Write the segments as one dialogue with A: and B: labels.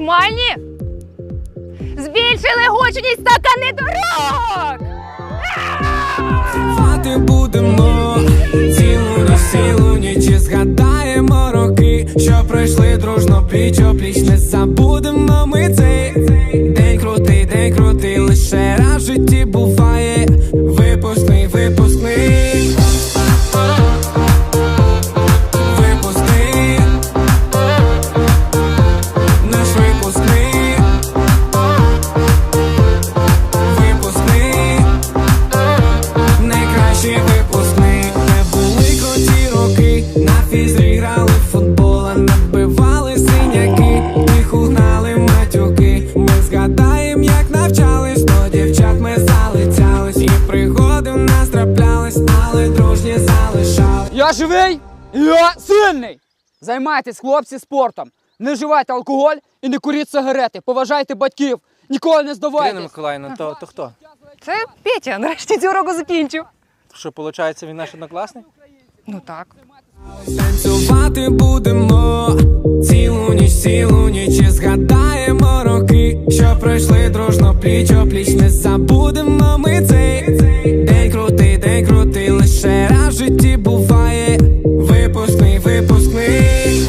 A: нормальні? Збільшили гучність стакани дорог!
B: Танцювати будемо цілу ніч і згадаємо роки, що пройшли дружно пліч-о-пліч. Не забудемо ми цей день крутий, лише раз в житті буває. Випускний, випускний, випускний, наш випускний, випускний, найкращий випускний. Не були круті роки, на фізрі грали в футбол, а набивали синяки, їх угнали матюки. Ми згадаєм, як навчались, до дівчат ми залицялись, і пригоди в нас траплялись, але дружні залишались.
C: Я живий, я сильний! Займайтесь, хлопці, спортом. Не вживайте алкоголь і не куріть сигарети. Поважайте батьків. Ніколи не
D: Ірина
C: здавайтесь.
D: Миколаївна, то хто?
A: Це Петя, нарешті цю уроку закінчив.
D: Що, виходить, він наш однокласник?
A: Ну так.
B: Танцювати будемо цілу ніч і згадаємо роки, що пройшли дружно пліч-о-пліч. Не забудемо ми цей день крутий, лише раз в житті буває. Випускний, випускний,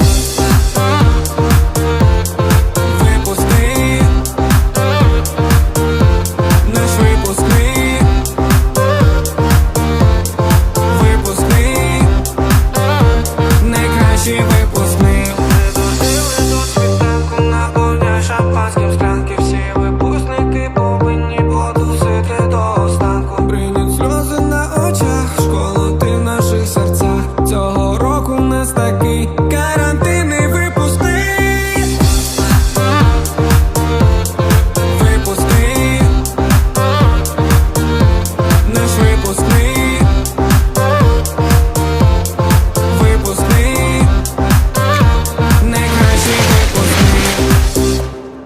B: випускний, наш випускний, випускний, найкращий випускний. Ми дожили до світанку, наповняй шампанським склянки. Всі випускники повинні потусити до останку. Бринять сльози на очах, школу ти в наших серцях. Цього року в нас такий карантинний випускний. Випускний, наш випускний, випускний, найкращий випускний.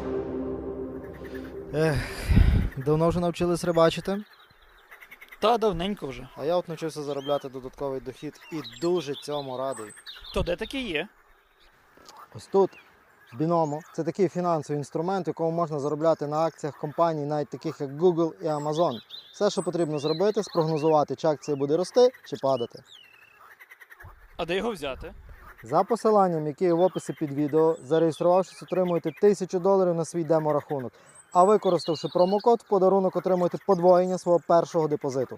E: Давно вже навчились рибачити,
F: Та давненько вже.
E: а я от навчився заробляти додатковий дохід і дуже цьому радий.
F: То де таке є?
E: Ось тут, Binomo, це такий фінансовий інструмент, в якому можна заробляти на акціях компаній, навіть таких як Google і Amazon. Все, що потрібно зробити, спрогнозувати, чи акція буде рости чи падати.
F: А де його взяти?
E: За посиланням, яке є в описі під відео, зареєструвавшись, отримуєте $1000 на свій демо-рахунок. А використавши промокод, в подарунок отримуєте подвоєння свого першого депозиту.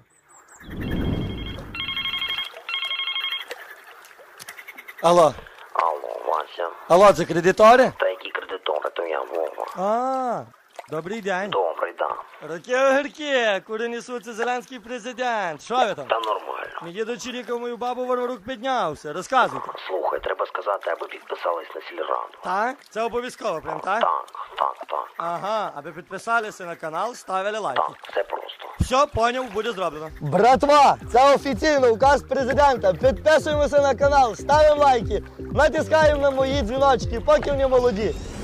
G: Алло,
H: Алло, Вася.
G: алло, це кредитори?
H: Та які кредитори, то я Вова.
G: А, добрий день.
H: Добрий, да.
G: Роки огірки, куди несуться зеленський президент. Що ви там?
H: Та нормально.
G: Мій дідо чирікав мою бабу Варварук піднявся. Розказуйте.
H: Слухай, треба сказати, аби підписались на сільраду.
G: Так? Це обов'язково, прям так?
H: Так.
G: Ага, аби підписалися на канал, ставили лайки.
H: Так, все просто.
G: Все, поняв, буде зроблено.
E: Братва, це офіційно указ президента. Підписуємося на канал, ставимо лайки, натискаємо на мої дзвіночки, поки вони молоді.